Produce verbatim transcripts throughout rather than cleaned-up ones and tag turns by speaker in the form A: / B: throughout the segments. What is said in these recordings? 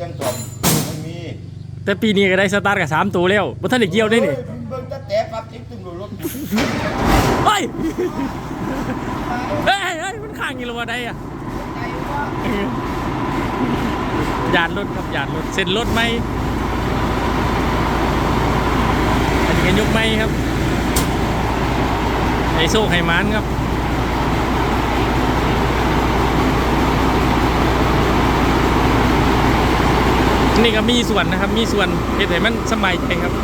A: รื่องจอมไม่มี
B: แต่ปีนี้ก็ได้สตาร์ทกับสามตัวแล้วบ่ทันได้เกี่ยวได้นี่
A: เบิ่งจะแต่ปั๊บติ๊กตึ้งรถ
B: เฮ้ยเฮ้ยเฮ้ยมันข้างอยู่แล้วว่าได้อะหยาดรถครับหยาดรถเซ็นรถไหมอันนี้ก็ยกไหมครับไอโซ่ไขมันครับนี่ก็มีส่วนนะครับมีส่วนเหตุให้มันสมัยใจครับ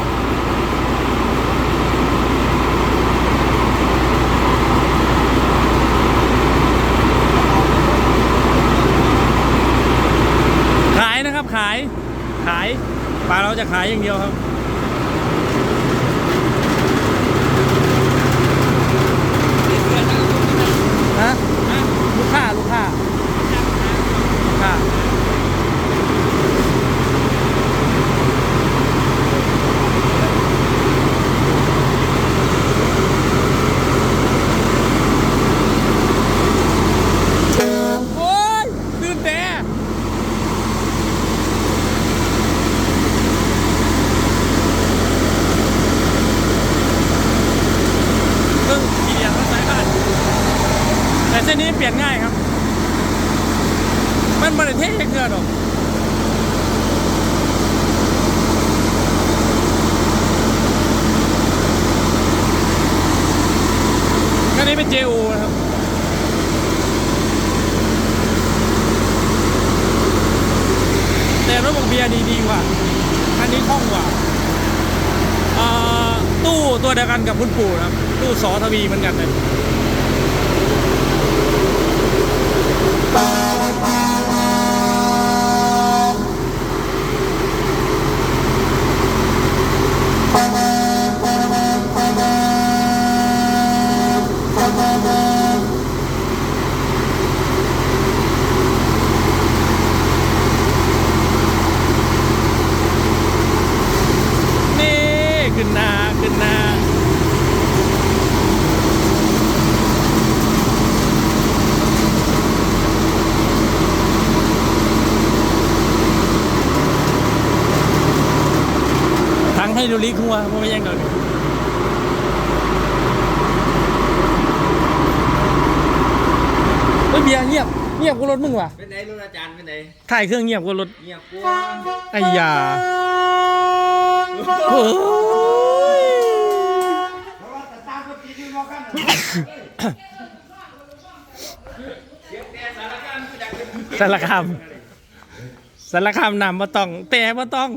B: ขายนะครับขายขายปลาเราจะขายอย่างเดียวครับฮะลูกค้าลูกค้าลูกค้าโอ้ยตื่นแต่เพิ่งขี่อย่างรถไฟบ้านแต่เส้นนี้เปลี่ยนง่ายครับมันบริเทศเกินหรอกอันนี้เป็น เจ โอ นะครับแต่รถบกเบียร์ดีดีกว่าอันนี้คล่องกว่าตู้ตัวเดียวกันกับคุณปู่นะครับตู้สอทวีเหมือนกันเลยขึ้นหน้าขึ้นหน้าทั้งให้ดูลิกหัวเพราะไม่แย่งกันเฮ้ยเบียร์เงียบเงียบกว่ารถมึงว่ะ
C: เป็นไหนรถอาจารย์เป็นไหน
B: ถ่ายเครื่องเงียบกว่ารถ
C: เงียบกว่า
B: ไอ้ยาโอ้ยสารคามสารคามนำมาต้องแต่มาต้อง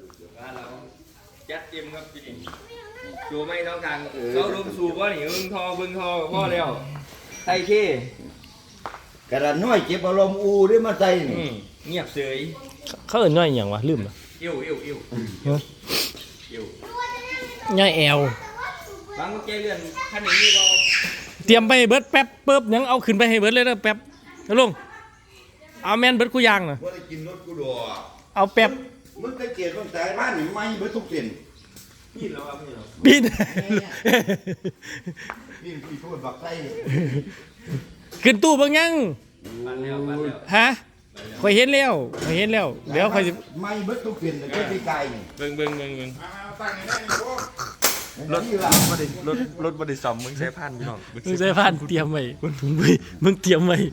C: ยัดเต็มครับพี่ดิจูไม่ต้องการเขาลมสูบว่าหนิบึงทอบึงทอพ่อแล้วไทยเท่
A: กระดานน้อยเก็บอารมณ์อูได้มาใส่
C: เงียบเฉย
B: เขาเอ่ยง่อยอย่างวะลืมอ่ะ
C: อิ่วอิ่วอิ่วอิ่ว
B: ง่อยแอล
C: บางแกเลื่อนท่านนี้เรา
B: เตรียมไปเบิร์ดแป๊บเปิ๊บยังเอาขึ้นไปให้เบิร์ดเลยนะแป๊บลุงเอาแมนเบิร์ดกูยางนะ
A: ว่าได้กินรถกูดัว
B: เอาแป๊บ
A: มึงได้เกียรติคนสายบ้านหนิไม่เบิร์ดทุกเส้น
C: ปีนแล้วครับพี่
B: ปีน
A: ปีนพี่พูดบักไส้
B: ขึ้นตู้บางยัง
C: มาแล้วมาแล้ว
B: ฮะคอยเห็นแล้วคอยเห็นแล้วเดี๋ยวคอยจะ
A: ไม่เบิร์ดทุกเส้นแต่ก็ตีไก่
C: เบิ่งเบิ่งเบิ่งเบิ่งรถบริรถรถบริษัทมึงใช้พันพี่น้อง
B: มึงใช้พันเตรียมไว้มึงเตรียมไว้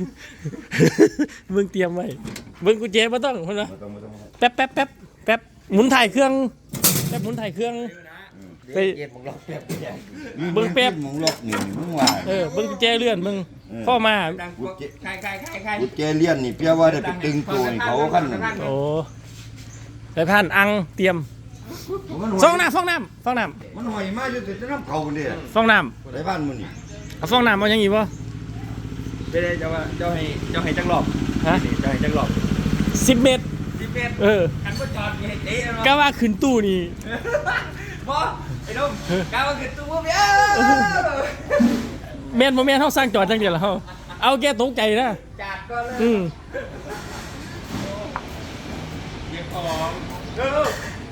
B: มึงเตรียมไว้มึงกูเจ๊มาต้องคนละแป๊บแป๊บแป๊บแป๊บหมุนถ่ายเครื่องแป๊บหมุนถ่ายเครื่อง
A: ไปเก็บมึงล็อกแป๊บ
B: เบิ้งแป๊บ
A: มึงล็อกหนึ่งมึงว่า
B: เออเบิ้งเจ๊เลื่อนมึงพ่อมา
C: ใครใครใครใคร
A: กูเจเลียนนี่เพี้ยว่าได้ไปตึงตัวเขาขั้น
B: โอ้สายพันอังเตรียมฟองน้ำฟองน้ำฟองน้
A: ำมันหอยมากอยู่แต่จะน้ำเขาเนี่ย
B: ฟองน้
A: ำในบ้านมึงนี่
B: เอาฟองน้ำเอาอย่างงี้ป่ะ
C: ไปเลยเจ้าเจ้าให้เจ้าให้จังหลอก
B: ฮะ
C: เจ้าให้จังหลอก
B: สิบเมตร
C: สิบเมตร
B: เออ
C: ขันก็จอดให้เตะ
B: ก็ว่าขึ้นตู้นี่
C: บอไอ้นุ่มก้าวมาขึ้นตู้พวกเบี้ย
B: แมนโมแมนเขาสร้างจอดจังเดียวแล้วเขาเอาแกตกใจนะ
C: จัดก็เลย
B: อืม
C: เก็บของเออ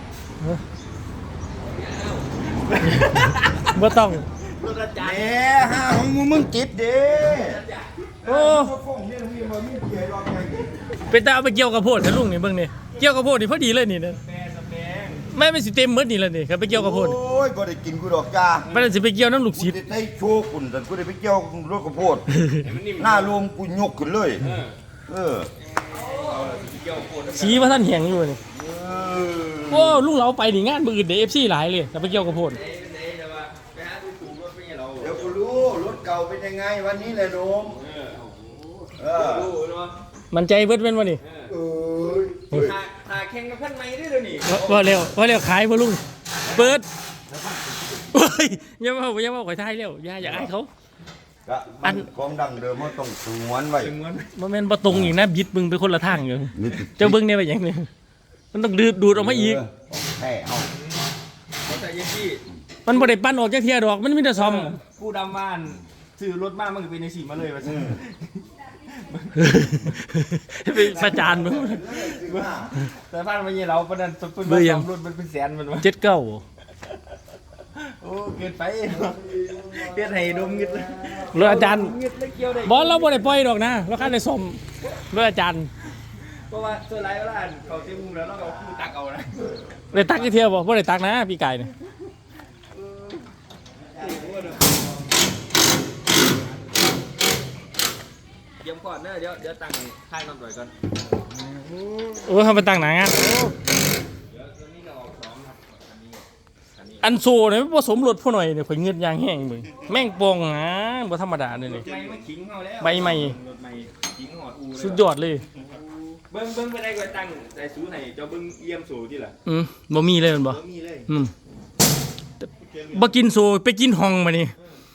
B: บ่ต้อง
A: เอ๊ะฮะของมึงมึงจิตเด้
B: โอ้เป็นตาเอาไปเกี่ยวกับโพดทะลุงนี่เบิ่งนี่เกี่ยวกับโพดนี่พอดีเลยนี่นะ
C: แปรสแปง
B: แม่ไม่สิเต็มหมดนี่แล้วนี่ครับไปเกี่ยวกับโพด
A: โอ้ยบ่ได้กินกูดอกจ้า
B: มันสิไปเกี่ยวน้ำลูก
A: กู
B: ศิษย์
A: ได้ได้โชว์คุณแต่กูได้ไปเกี่ยวรถกระโพด
C: ให้มันนิ่ม
A: หน้ารวมกูยกขึ้นเลย
C: เออ
A: เออ
C: เอาละสิเกี่ยวโคตร
B: สีว่าท่านแหงอยู่นี่
A: เออ
B: โอ้ลุงเราไปนี่งานมืออื่นเดฟซีหลายเลยแต่ไปเกี่ยวกับโพด
C: เอ้ยเป็นไงแต่ว่าไปหาดูถูกรถไม่ใช่เรา
A: เดี๋ยวกูรู้รถเก่าเป็นยังไงวันนี้แหละโนม
C: เออ
A: เออ
C: ดูเนาะ
B: มันใจเบิดเป็นวะนี่
C: เออ
A: เอ้ย
C: หาหาแข่งกับพันไม้ได้เลยนี่
B: ว่าว่าเร็วว่าเร็วขายบ่ลุงเปิดโอ้ยอย่ามาอย่ามาข่อยทายเร็วอย่าอย่าอายเขา
A: กะ
B: อั
A: มัน นของดังเดิมมันต้องสงวนไว้
C: ถึงมัน
B: บ่แม่นบ่ตรงอีกนะบิดมึงไปคนละทางอยู่
A: นี่
B: เจ้าเบิ่งเนี่ยไปหยังนี่มันต้องดูดดูดออกมาอีก
A: แห่เอา
C: เขาใส่ยังที่
B: มันบ่ได้ปั้นออกจากเทียดอกมันมีแต่ซ่อม
C: ผู้ดำบ้านซื้อรถมามันก็เป็นในสีมาเลยว่า
A: อืม
B: ไปประจานมึง
C: แต่พันไม้เราประเด็นเป็น
B: เบื่อยัง
C: รถมันเป็นแสนมันวะ
B: เจ็ดเก้า
C: โอ้เกินไปเกินให้ดมเงินเลย
B: รถอาจารย์
C: เงินเลยเกี่ยวได้
B: บอลเราบ่ได้ปล่อยดอกนะเราคันได้ซ่อมรถอาจารย์
C: เพราะว่าเสื้อลายเวลาเขาเต็มมุมแล้วเราก็คือตักเอานะ
B: ได้ตักอีกเที่ยวบ่บ่ได้ตักนะพี่ไก่นี่
C: เตรียมก่อนเนอะเดี๋ยวเดี๋ยวตั้งค่ายน้ำต่อยก่อน
B: โอ้เฮาไปตั้งหน้างาน
C: เดี๋ยวตอนนี้เราออกสองครับอันนี้อันนี้
B: อันโซเนี่ยมันผสมรถพ่อหน่อยเนี่ยข่อยเงือดยางแห้งมึงแม่งปองนะบ่ธรรมดาเลยนี่
C: ใบไม่ขิงเขาแล้ว
B: ใบใหม่
C: รถใหม่ขิงหอดอูเลย
B: สุดยอดเลย
C: เบิ้งเบิ้งไปได้ก็ตั้งแต่สูไหนเจ้าเบิ้งเยี่ยมสูที่ล่ะ
B: อืมบ่มีเลยแมันบ่
C: บ่มีเลย
B: อืมบ่กินโซไปกินห้องมานี่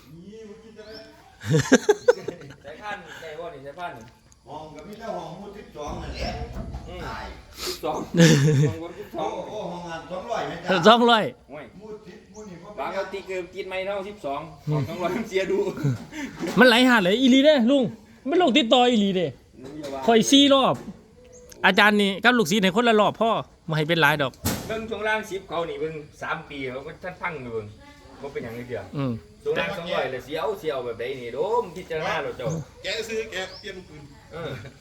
C: ใช้พันใช้ว่านี่ใช้พัน
A: ห้องกับพี่เจ้าห้องมูสิบสองนั่นแหละ
C: อืม
A: ตาย
C: สิบสองสองคนสิบส
A: โอ้
C: อง
A: โหห้องงานสองร้อยไหมจ๊ะ
B: สองร้อย
C: โอ้ย
A: มูสิบมูนี่
C: บางเอาตีเกินกินไม่เท่าสิบสองของต้องรอเสียดู
B: มันไหลหาดเลยอีหลีเด้ลุงมันลงติดต่ออีหลีเด้ข่อยสี่รอบ อาจารย์นี่กับลูกศิษย์ให้คนละรอบพ่อบ่ให้เป็นหลายดอก
C: เบิ้งช่วงล่างสิบเขานี่เบิ้งสามปีเขาก็ท่านพังอยู่เบิ้งก็เป็นอย่างนี้เดียว
B: อืม
C: ช่วงล่างสองร้อยเลยเสียวเสียวแบบใดนี่โดมพิจารณาเราเจ้า
D: แกซื้อแกเปลี่ยนปืน
C: เอ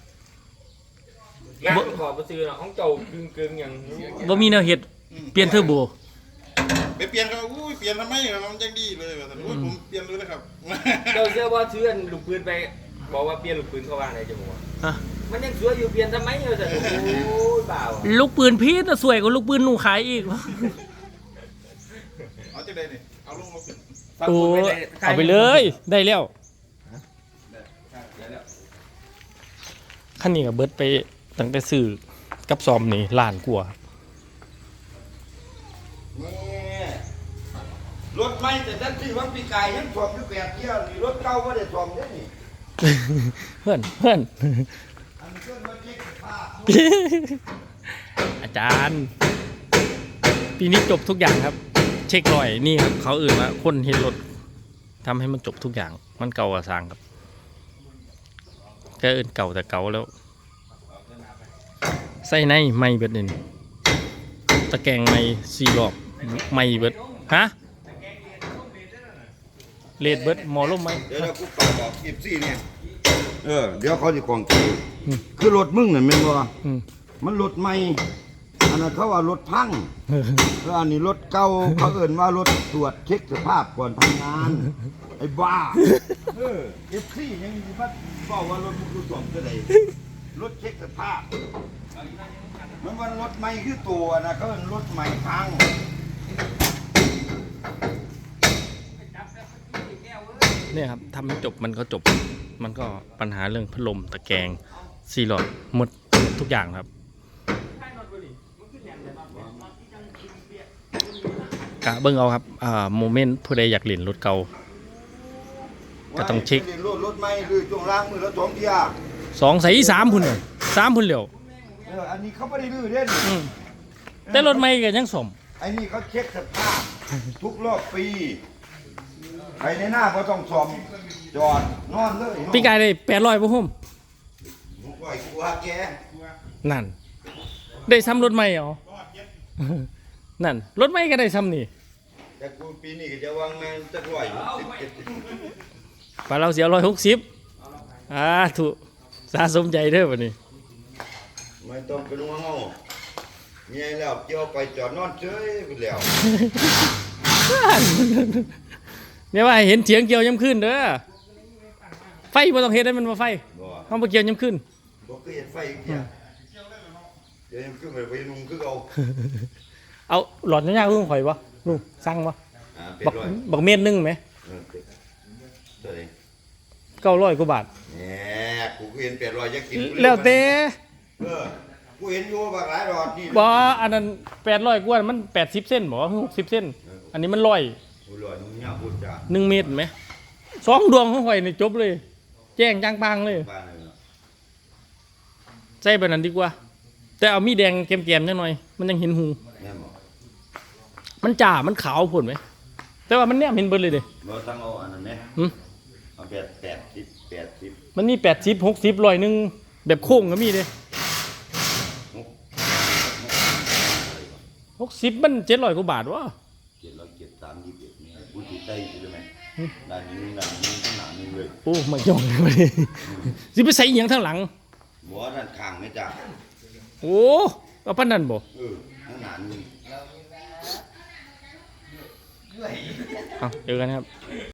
C: องานประกอบมาซื้อเนาะของเจ้ากึ่งกึ่งๆอย่าง
B: บ่มีแนวเฮ็ดเปลี่ยนเทอร์โบ
D: ไปเปลี่ยนเขาอุ้ยเปลี่ยนทำไมมันยังดีเลยว่าแต่อุ้ยผมเปลี่ยนเลยนะครับ
C: เจ้าเชื่อว่าเชื่อนลูกปืนไปบอกว่าเปลี่ยนลูกปืนเขาว่าไงจะบอกว่า
B: ฮะ
C: มันยังสวยอยู่เปลี่ยนทำไมเราจะโอ้ยเปล่า
B: ลูกปืนพีชน่ะสวยกว่าลูกปืนหนูขายอีก
D: เอาจะได้เนี่ยเอาลงมาขึ้น
C: ฟัง
B: โอ้
C: พูดไปลย
B: เอาไปเลย ได้แล้วคันนี้ก็เบิดไปตั้งแต่ซื้อกับซอมนี่ล้านกว่า
A: นี่รถใหม่แต่ท่านที่วังปีกายยังสอบอยู่แปดเที่ยวนี่รถเก่าก็ได้สอบได้นี่
B: เพื่อนเพื่อน
A: อันนี้ก็มาเช็คสภาพ
B: อาจารย์ ปีนี้จบทุกอย่างครับ เช็ครอยนี่ครับเขาอื่นว่าคนเห็นรถทำให้มันจบทุกอย่าง มันเก่ากว่าสร้างครับแค่อื่นเก่าแต่เก่าแล้ว ใส่ในไม่เบิดนี่ตะแกรงไม่สี่รอบไม่เบิดฮะเลดเบิดหมอลมไหม
A: เดี๋ยวเรากูเป่าบอกเอฟซีเนี่ยเออเดี๋ยวเขาจะกองกีคือรถมึงนั่นแม่นบ่
B: อืม
A: มันรถใหม่อันนั้นเขาว่ารถพังแล้วอันนี้รถเก่าเขาเอิ่นว่ารถตรวจเช็คสภาพก่อนทำงานไอ้บ้าเออเอฟซียังสิพัดบอกว่ารถมึงคือสวมเท่าใดรถเช็คสภาพมันว่ารถใหม่คือตัวนะเขาเอิ่นรถใหม่พัง
B: เนี่ยครับทำให้จบมันก็จบ มันก็ปัญหาเรื่องพัดลมตะแกรงซีหลอดหมดทุกอย่างครับกะเบิ้งเอาครับอ่าโมเมนต์ผู้ใดอยากเล่นรถเก่า ก็ต้องเช็ค
A: รถรถใหม่คือช่วงล่างมือละสองเที่ย
B: สองใส่สามพุ่นเลยสามพุ่นเหลียว
A: เอออันนี้เขาไม่ได้ลื้อเด่น
B: อืมแต่รถไม่ก็ยังสม
A: ไอ้นี่เขาเช็คสภาพทุกรอบปีใครในหน้าเขาต้องซ่อมจอดนอนเลย
B: พี่กายได้แปดร้อยป่ะพุ่ม
A: ปล่อยกูหาแก
B: นั่น ได้ซ้ำรถไม่เหรอ นั่น รถไม่ก็ได้ซ้ำนี่
A: แต่กูปีนี้ก็จะวางแมนจะร้อยสิบเจ็ด
B: ปลาเราเสียร้อยหกสิบอ่าถูกสะสมใจเด้อวันนี้
A: ไม่ต้องเป็นห่วงเอาเมียแล้วเกี่ยวไปจอดนอนเฉยไปแล้ว
B: เนี่ยว่าให้เห็นเสียงเกี่ยวย้ำขึ้นเด้อไฟบ่ต้องเฮ็ดให้มันมาไฟ
A: บ่
B: เฮาบ่เกี่ยวย้ำขึ้น
A: บ่เคยเห็นไฟอีกเที่ยเดี๋ยวยังขึ้นไปไปนุ่งคือเอา
B: เอาหลอดยาวๆคือของข่อยบ่ลุงสั่งบ่
A: อ่าเป็ด
B: บัก
A: ร้อย
B: บักเม็ดหนึงไหม
A: เออเป็ดเท่าไหร่
B: เก้าร้อยกว่าบาท
A: แหมกูก็เห็นเป็ดร้อยจะกินกูเย
B: แล้วแต่
A: เออกูเห็นอยู่บักหลายรอดนี่
B: บ่อันนั้นแปดร้อยกว่ามันแปดสิบเส้นบ่หกสิบเส้นอันนี้มันร้อย
A: กูรอดมึงเนี่ยพูดจ้า
B: หนึ่งเมตรไหมสองดวงของข่อยนี่จบเลย แจ้งจังปังเลย
A: บ้านเลยเนาะ
B: ใส่แบบนั้นดีกว่า แต่เอามีแดงแก้มๆจังหน่อย มันยังเห็นหู
A: แม่นบ่
B: มันจ่ามันขาวผลไหม แต่ว่ามันแนมเห็นเบิดเลยเด้
A: บ่ต้องเอาอันนั้นแหม
B: หึ
A: เอาแปดแปดสิบแปดสิบ
B: มันมีแปดสิบหกสิบร้อยหนึ่งแบบโค้งก็มีเด้
A: หก
B: หกสิบมันเจ็ดร้อยกว่าบาทวะ
A: เจ็ดร้อยเจ็ดสามยี่สิบเอ็ดนี่กูติดใจอยู่เลยไหมด้านนี้ด้านนี้ข้างหน้านี่เลย
B: โอ้ไม่ยอมเลย สิไปใส่อหย่างทางหลัง
A: หัวด้านข้างไหมจ้า
B: โอ้เอาปานนั้นบ่
A: เออข้างหน้านี่
B: เอาเจอกันครับ